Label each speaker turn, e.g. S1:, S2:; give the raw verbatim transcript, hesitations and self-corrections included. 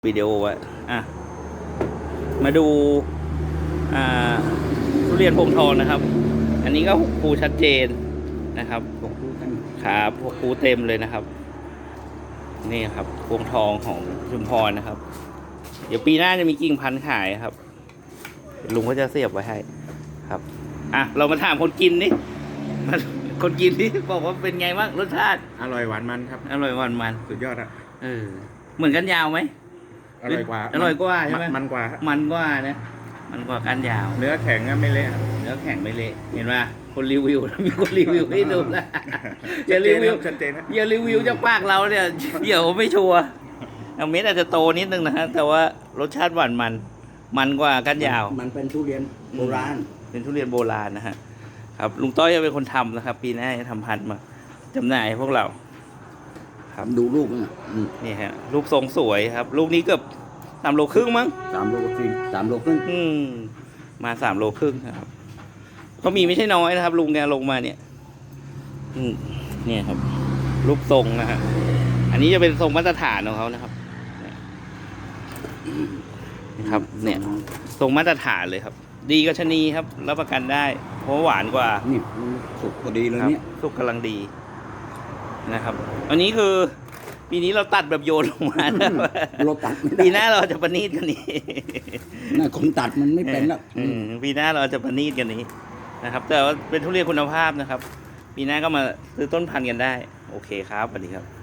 S1: วิดีโอไว้อ่ะมาดูอ่าทุเรียนพวงทองนะครับ อันนี้ก็หกภูชัดเจนนะครับ
S2: หกภูกัน
S1: ครับหกภูเต็มเลยนะครับนี่ครับพวงทองของชุมพรนะครับ เดี๋ยวปีหน้าจะมีกิ่งพันธุ์ขายครับลุงก็จะเสียบไว้ให้ครับอ่ะเรามาถามคนกินนี่มาคนกินนี่บอกว่าเป็นไงบ้างรสชาติ
S2: อร่อยหวานมันครับ
S1: อร่อยหวานมัน
S2: สุดยอดอะ
S1: เออเหมือนกันยาวไหม
S2: อร่อยกว่า
S1: อร่อยกว่าใช่ไหม
S2: มันกว่า
S1: มันกว่านะมันกว่ากันยาว
S2: เนื้อแข็งก็ไม่เละ
S1: เนื้อแข็งไม่เละเห็นไหมคนรีวิวมีคนรีวิวให้ดูนะอย่ารีวิว
S2: ชัดเจนนะ
S1: อย่ารีวิวจากปากเราเนี่ยเดี๋ยวไม่ชัวร์เอาเม็ดอาจจะโตนิดนึงนะฮะแต่ว่ารสชาติหวานมันมันกว่ากันยาว
S3: มันเป็นทุเรียนโบราณ
S1: เป็นทุเรียนโบราณนะฮะครับลุงต้อยจะเป็นคนทำนะครับ ปีหน้าจะทำพันธุ์มาจำหน่ายให้พวกเราครับ
S3: ดูลูกน่ะอืม
S1: นี่ฮะลูกทรงสวยครับ ลูกนี้เกือบสามโลครึ่งมั้ง
S3: สามโลครึ่งสามโลครึ่ง
S1: อืมมาสามโลครึ่งครับก็มีไม่ใช่น้อยนะครับ ลุงแกลงมาเนี่ย อืมเนี่ยครับ รูปทรงนะฮะอันนี้จะเป็นทรงมาตรฐานของเขานะครับนะครับ เนี่ย ทรงมาตรฐานเลยครับ ดีกว่าชะนีครับรับประกันได้ เพราะหวานกว่า
S3: นี่สุกพอดีเลย
S1: ครับ
S3: เนี่ย
S1: สุกกำลังดีนะครับ อันนี้คือ ปีนี้เราตัดแบบโยนลงมานะ
S3: เราตัดไม่ได้
S1: ปีหน้าเราจะประณีตกันนี้
S3: น่าคนตัดมันไม่เป็นแล้ว
S1: อืมปีหน้าเราจะประณีตกันนี้นะครับ แต่ว่าเป็นทุเรียนคุณภาพนะครับ ปีหน้าก็มาซื้อต้นพันธุ์กันได้ โอเคครับสวัสดีครับ